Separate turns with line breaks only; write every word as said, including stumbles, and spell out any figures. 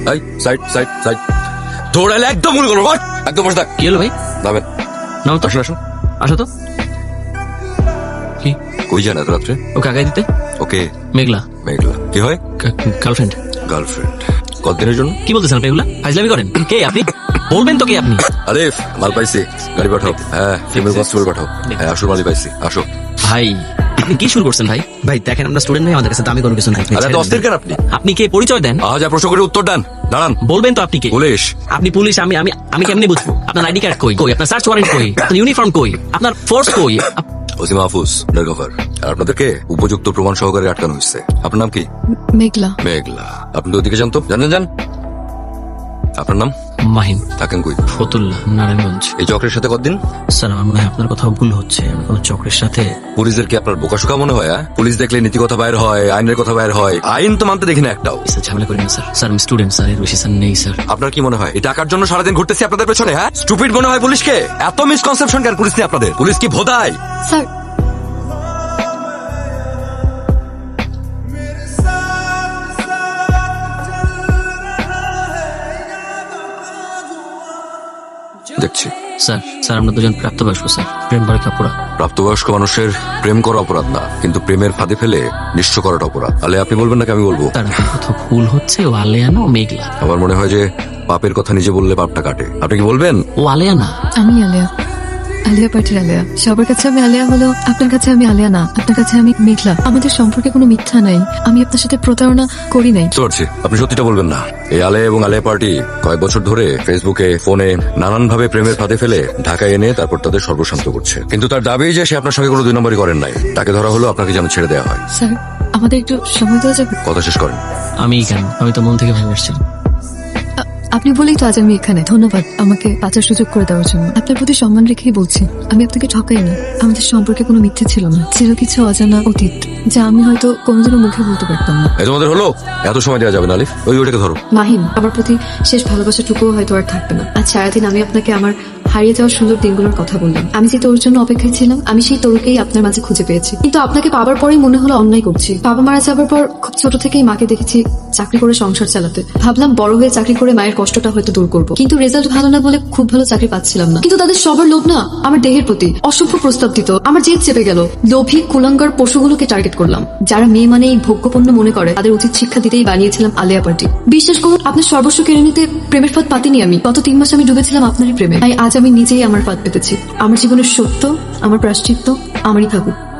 এই side side side দৌড়ালে একদম মনে করবো একদম বসে থাক।
কি হলো ভাই?
নামেন।
নাও তো,
আসুন আসুন।
আসো তো। কি
কই যান এত রাত্রে?
ওকে আগাই দিতে।
ওকে
মেঘলা
মেঘলা কি হয়?
গার্লফ্রেন্ড।
গার্লফ্রেন্ড কতদিনের জন্য?
কি বলতেছেন আপনি এগুলা? ফাইজলামি করেন? কে আপনি? বলবেন তো কে আপনি?
আলিফ মাল পাইছি, গাড়ি পাঠাও। হ্যাঁ ফিমেল কনস্টেবল পাঠাও। হ্যাঁ আসল মালই পাইছি, আসো।
ভাই আপনি কি শুরু করছেন ভাই? ভাই দেখেন আমরা স্টুডেন্ট নাই, আমাদের কাছে দামি কোনো কিছু নাই।
আরে এত অস্থির কেন আপনি?
আপনি কে পরিচয় দেন?
আজ যা প্রশ্ন করে উত্তর দেন। দাঁড়ান।
বলবেন তো আপনি কে?
পুলিশ।
আপনি পুলিশ, আমি আমি আমি কেমনে বুঝবো? আপনার আইডি কার্ড কই? কই আপনার সার্চ ওয়ারেন্ট কই? আপনার ইউনিফর্ম কই? আপনার ফোর্স কই? আপ-
ওসি মাহফুজ আন্ডারকভার। আর আপনাদেরকে উপযুক্ত প্রমাণ সহকারে আটকানো হয়েছে। আপনার নাম কি?
মেঘলা।
মেঘলা। আপনি ওদিকে জানতো জানেন যান। আপনার নাম?
মাহিম।
থাকেন কই?
ফতুল্লাহ, নারায়ণগঞ্জ।
এই চক্রের সাথে কতদিন?
স্যার আমার মনে হয় আপনার কথা ভুল হচ্ছে। আমি কোনো চক্রের সাথে।
পুলিশদের কি আপনার বোকাশোকা মনে হয়? হ্যাঁ? পুলিশ দেখলে নীতি কথা বাইর হয়, আইনের কথা বাইর হয়। আইন তো মানতে দেখি না একটাও।
স্যার ঝামেলা করেন না স্যার। স্যার আমি স্টুডেন্ট স্যার, এর বেশি স্যার নেই স্যার।
আপনার কি মনে হয় এই টাকার জন্য সারাদিন ঘুরতেছি আপনাদের পেছনে? হ্যাঁ স্টুপিড মনে হয় পুলিশকে? এত মিসকনসেপশন কেন পুলিশ নিয়ে আপনাদের? পুলিশ কি ভোদায়?
স্যার
দেখছি
স্যার স্যার আমরা দুজন প্রাপ্তবয়স্ক স্যার, প্রেম পরীক্ষা পুরা।
প্রাপ্তবয়স্ক মানুষের প্রেম করা অপরাধ না, কিন্তু প্রেমের ফাঁদে ফেলে নিঃস্ব করাটা অপরাধ। তাহলে আপনি বলবেন নাকি আমি বলবো?
তার আপনার কথা ভুল হচ্ছে। ও আলেয়ানা, ও মেঘলা।
আমার মনে হয় যে পাপের কথা নিজে বললে পাপটা কাটে। আপনি কি বলবেন?
ও আলেয়ানা।
আমি আলিয়া, আলিয়া পার্টির আলিয়া। সবার কাছে আমি আলিয়া হলো, আপনার কাছে আমি আলিয়া না, আপনার কাছে আমি মেঘলা। আমাদের সম্পর্কে কোনো মিথ্যা নাই, আমি আপনার সাথে প্রতারণা করি নাই।
বুঝতে পারছি আপনি সত্যিটা বলবেন না। এই আলে এবং আলে পার্টি কয়েক বছর ধরে ফেসবুকে ফোনে নানান ভাবে প্রেমের ফাঁদে ফেলে ঢাকায় এনে তারপর তাদের সর্বশান্ত করছে। কিন্তু তার দাবি যে সে আপনার সঙ্গে কোনো দুই নম্বরই করেন নাই। তাকে ধরা হলো, আপনাকে যেন ছেড়ে দেওয়া হয়।
স্যার আমাদের একটু সময় দেওয়া যাবে?
কথা শেষ করেন।
আমি কেন? আমি তো মন থেকে ভেবে আসছি।
আ- আপনি বলেই তো আজ আমি এখানে। ধন্যবাদ আমাকে বাঁচার সুযোগ করে দেওয়ার জন্য। আপনার প্রতি সম্মান রেখেই বলছি, আমি আপনাকে ঠকাইনি। আমাদের সম্পর্কে কোনো মিথ্যে ছিল না, ছিল কিছু অজানা অতীত যা আমি হয়তো কোনোদিনও মুখে বলতে পারতাম না।
এই তোমাদের হলো? এত সময় দেওয়া যাবে না আলিফ, ওই ওটাকে ধরো।
মাহিম, আমার প্রতি শেষ ভালোবাসাটুকুও হয়তো আর থাকবে না। আজ সারাদিন আমি আপনাকে আমার হারিয়ে যাওয়ার সুন্দর দিনগুলোর কথা বললাম। আমি যে তোর জন্য অপেক্ষায় ছিলাম, আমি সেই তোরকেই আপনার মাঝে খুঁজে পেয়েছি। কিন্তু আপনাকে পাবার পরেই মনে হলো অন্যায় করছি। বাবা মারা যাবার পর খুব ছোট থেকেই মাকে দেখেছি চাকরি করে সংসার চালাতে। ভাবলাম বড় হয়ে চাকরি করে মায়ের কষ্টটা হয়তো দূর করবো, কিন্তু রেজাল্ট ভালো না বলে খুব ভালো চাকরি পাচ্ছিলাম না। কিন্তু তাদের সবার লোভ না আমার দেহের প্রতি অসভ্য প্রস্তাব দিত। আমার জেদ চেপে গেল। লোভী কুলাঙ্গার পশুগুলোকে টার্গেট করলাম। যারা মেয়ে মানে এই ভোগ্যপণ্য মনে করে, তাদের উচিত শিক্ষা দিতেই বানিয়েছিলাম আলিয়া পার্টি। বিশ্বাস করুন, আপনার সর্বস্ব কেড়ে নিতে প্রেমের ফাঁদ পাতিনি আমি। গত তিন মাস আমি ডুবেছিলাম আপনারই প্রেমে। তাই আজ আমি নিজেই আমার ফাঁদ পেতেছি। আমার জীবনের সত্য, আমার প্রায়শ্চিত্ত আমারই থাকুক।